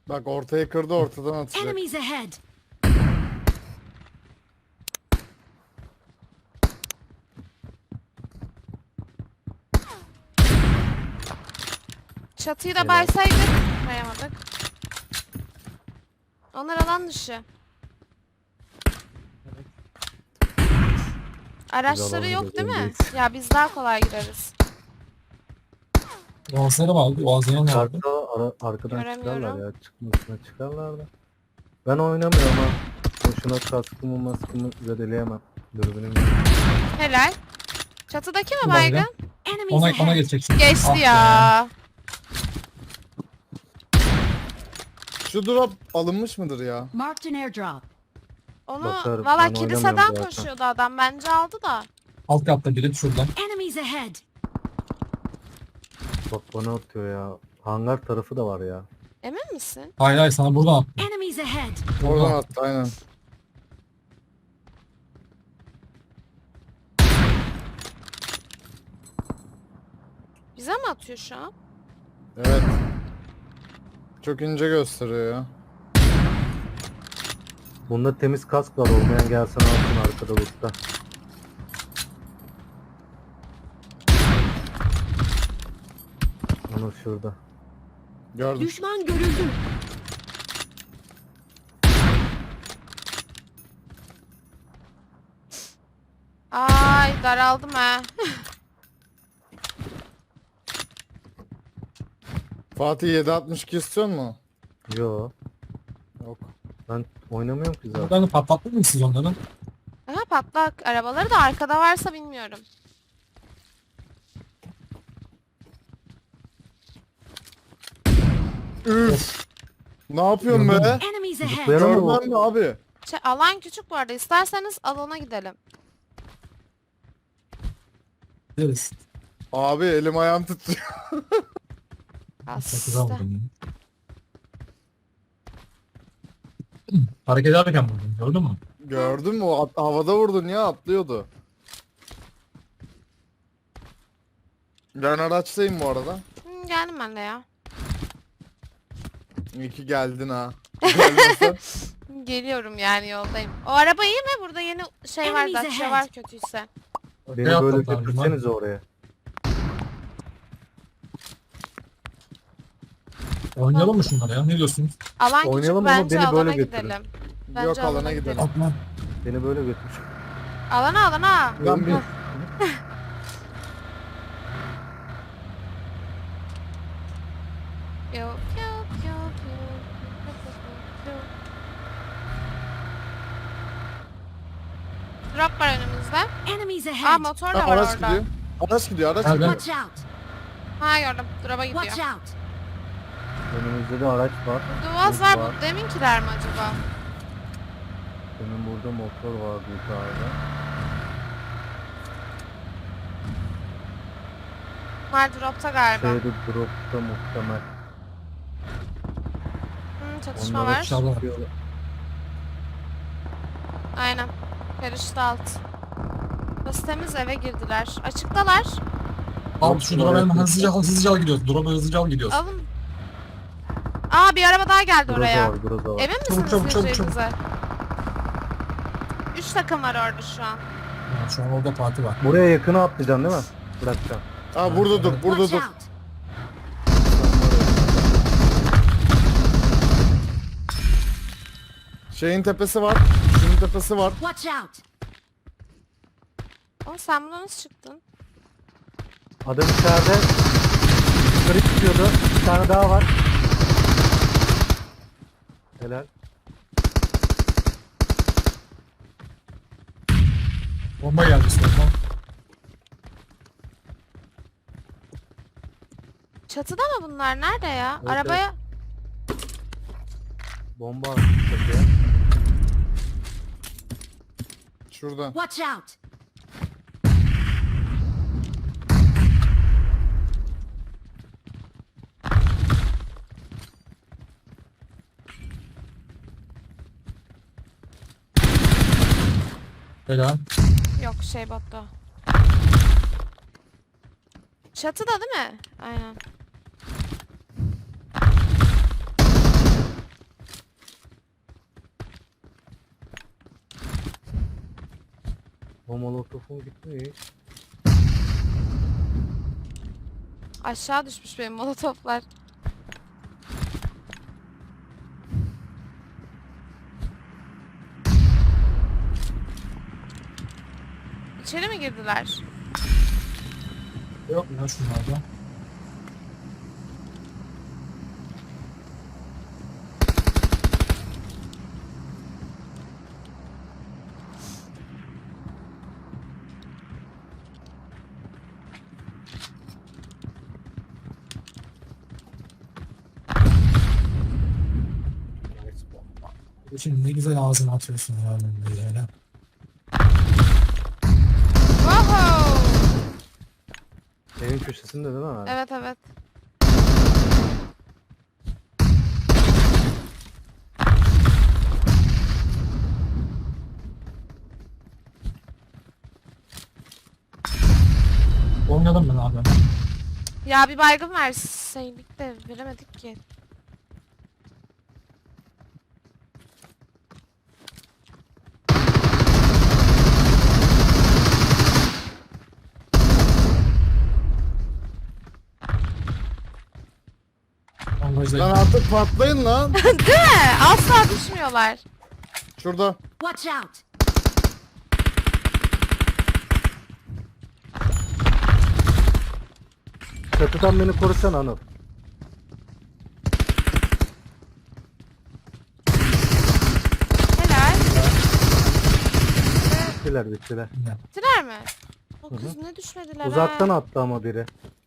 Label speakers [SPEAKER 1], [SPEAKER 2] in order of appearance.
[SPEAKER 1] Bak ortaya kırdı, ortadan atacak.
[SPEAKER 2] Enemies ahead.
[SPEAKER 3] Çatıyı da baysaydık. Bayamadık. Onlar alan dışı. Araçları
[SPEAKER 4] Biz
[SPEAKER 3] yok değil mi?
[SPEAKER 4] alamayız.
[SPEAKER 3] Ya biz daha kolay gireriz.
[SPEAKER 5] Boğazları vardı. Boğazları ne vardı?
[SPEAKER 4] Arkadan
[SPEAKER 3] Göremiyorum.
[SPEAKER 4] çıkarlar ya. Çıkmasına çıkarlar da. Ben oynamıyorum ha. Boşuna kaskımı zedeleyemem. Dürbünüm yok.
[SPEAKER 3] Helal. Çatıdaki mi
[SPEAKER 5] Bu
[SPEAKER 3] baygın?
[SPEAKER 5] baygın.
[SPEAKER 2] Enemies
[SPEAKER 5] Ona
[SPEAKER 2] ahead.
[SPEAKER 5] geçeceksin.
[SPEAKER 3] Geçti
[SPEAKER 5] Ah be.
[SPEAKER 3] ya.
[SPEAKER 1] Şu drop alınmış mıdır ya?
[SPEAKER 2] Marked an airdrop.
[SPEAKER 3] Onu
[SPEAKER 4] Bakarım,
[SPEAKER 3] valla
[SPEAKER 4] ben
[SPEAKER 3] kiliseden
[SPEAKER 4] oynamıyorum zaten.
[SPEAKER 3] koşuyordu adam. Bence aldı da.
[SPEAKER 5] Alt katta biri şuradan.
[SPEAKER 2] Enemies ahead.
[SPEAKER 4] Bak bana atıyor ya. Hangar tarafı da var ya.
[SPEAKER 3] Emin misin?
[SPEAKER 5] Hayır hayır sana buradan at.
[SPEAKER 2] Enemies ahead.
[SPEAKER 1] Oradan attı aynen.
[SPEAKER 3] Bize mi atıyor şu an?
[SPEAKER 1] Evet. Çok ince gösteriyor ya.
[SPEAKER 4] Bunda temiz kask var. Olmayan gelsin alsın arkada lootta. Onu şurada.
[SPEAKER 1] Gördüm.
[SPEAKER 2] Düşman görüldü.
[SPEAKER 3] Ay daraldım ha.
[SPEAKER 1] Fatih 7.62 istiyor mu?
[SPEAKER 4] Yo.
[SPEAKER 1] Yok.
[SPEAKER 4] Ben oynamıyorum ki zaten.
[SPEAKER 5] Buradan patlattın mı siz onları?
[SPEAKER 3] Aha patlak. Arabaları da arkada varsa bilmiyorum.
[SPEAKER 1] Üf. Ne yapıyorsun
[SPEAKER 5] Gördün
[SPEAKER 1] be?
[SPEAKER 5] mü?
[SPEAKER 2] Enemies ahead.
[SPEAKER 4] Zıplayalım mı?
[SPEAKER 1] Görmem mi abi?
[SPEAKER 3] Alan küçük bu arada. İsterseniz alana gidelim.
[SPEAKER 5] Gideriz.
[SPEAKER 1] Abi elim ayağım titriyor.
[SPEAKER 5] Sakıza
[SPEAKER 3] Hasta.
[SPEAKER 5] vurdum. Hareket ederken vurdum. Gördün mü?
[SPEAKER 1] Gördün mü? Havada vurdun ya, atlıyordu. Ben araçtayım bu arada.
[SPEAKER 3] Geldim ben de ya.
[SPEAKER 1] İyi ki geldin ha. Gelmesen.
[SPEAKER 3] Geliyorum yani yoldayım. O araba iyi mi? Burada yeni şey var,
[SPEAKER 2] Enemies
[SPEAKER 3] Dacia
[SPEAKER 2] ahead.
[SPEAKER 3] var kötüyse.
[SPEAKER 4] Beni
[SPEAKER 5] Ne
[SPEAKER 4] böyle
[SPEAKER 5] yaptın
[SPEAKER 4] götürsenize oraya.
[SPEAKER 5] Oynayalım mı şunları ya? Ne diyorsunuz?
[SPEAKER 3] Alan küçük
[SPEAKER 4] Oynayalım ama
[SPEAKER 3] bence
[SPEAKER 4] beni böyle
[SPEAKER 3] alana
[SPEAKER 4] götürün.
[SPEAKER 3] gidelim.
[SPEAKER 1] Yok, alana gidelim.
[SPEAKER 5] Atma.
[SPEAKER 4] Beni böyle götür.
[SPEAKER 3] Alana.
[SPEAKER 1] Ben bir...
[SPEAKER 3] Yok yok yok yok. Drop var önümüzde.
[SPEAKER 2] Enemies
[SPEAKER 3] Aa
[SPEAKER 2] ahead.
[SPEAKER 3] motor da var
[SPEAKER 1] Araç
[SPEAKER 3] orada.
[SPEAKER 1] gidiyor. Araç gidiyor, araç
[SPEAKER 5] Nerede?
[SPEAKER 1] gidiyor.
[SPEAKER 2] Watch out.
[SPEAKER 3] Ha gördüm. Drop'a gidiyor.
[SPEAKER 2] Watch out.
[SPEAKER 4] Önümüzde de araç var.
[SPEAKER 3] Duvaz var. Bu deminkiler mi acaba?
[SPEAKER 4] Benim burada motor vardı yukarıda.
[SPEAKER 3] Var drop'ta galiba.
[SPEAKER 4] Şeyde dropta muhtemel.
[SPEAKER 3] Çatışma
[SPEAKER 4] Onlara
[SPEAKER 3] var.
[SPEAKER 5] Dışarıda var.
[SPEAKER 3] Aynen. Karıştı alt. Burası temiz, eve girdiler. Açıktalar.
[SPEAKER 5] Al şu drop'a hemen hızlıca al gidiyoruz. Drop'a hızlıca al gidiyoruz.
[SPEAKER 3] Alın. Aa bir araba daha geldi oraya.
[SPEAKER 4] Groza var, groza var.
[SPEAKER 3] Emin misiniz
[SPEAKER 5] Çabuk, çabuk,
[SPEAKER 3] gireceğinize? 3 takım var orada şu an.
[SPEAKER 5] Ya, şu an orada parti var.
[SPEAKER 4] Buraya yakına atlayacaksın değil mi? Bırakacağım.
[SPEAKER 1] Aa burada dur, burada
[SPEAKER 2] Watch
[SPEAKER 1] dur.
[SPEAKER 2] out.
[SPEAKER 1] Şeyin tepesi var. Şunun tepesi var.
[SPEAKER 2] Watch out.
[SPEAKER 3] Oğlum sen buradan nasıl çıktın?
[SPEAKER 4] Adam içeride. Yukarı çıkıyordu. Bir tane daha var. Helal.
[SPEAKER 5] Bomba geldi soldan.
[SPEAKER 3] Çatıda mı bunlar? Nerede ya?
[SPEAKER 4] Evet,
[SPEAKER 3] Arabaya...
[SPEAKER 4] Bomba attı çatıya.
[SPEAKER 1] Şurada.
[SPEAKER 2] Watch out.
[SPEAKER 5] Helal.
[SPEAKER 3] Yok şey botta. Çatıda değil mi? Aynen.
[SPEAKER 4] O molotofum gitmiş.
[SPEAKER 3] Aşağı düşmüş benim molotoflar. İçeri mi girdiler?
[SPEAKER 5] Yok ya şunlarda. Şimdi ne güzel ağzına atıyorsun ya böyle öyle.
[SPEAKER 3] Wow!
[SPEAKER 4] Evin köşesinde değil mi abi?
[SPEAKER 3] Evet evet.
[SPEAKER 5] Oynadım ben abi.
[SPEAKER 3] Ya bir baygın verseydik de veremedik ki.
[SPEAKER 5] Bandajda
[SPEAKER 1] Lan artık patlayın lan.
[SPEAKER 3] Değil mi? Asla düşmüyorlar.
[SPEAKER 1] Şurada.
[SPEAKER 2] Watch out.
[SPEAKER 4] Çatıdan beni korusan Anıl.
[SPEAKER 3] Helal.
[SPEAKER 4] Bittiler bittiler.
[SPEAKER 3] Bittiler mi? O kız ne düşmediler
[SPEAKER 4] Uzaktan
[SPEAKER 3] ha.
[SPEAKER 4] attı ama biri.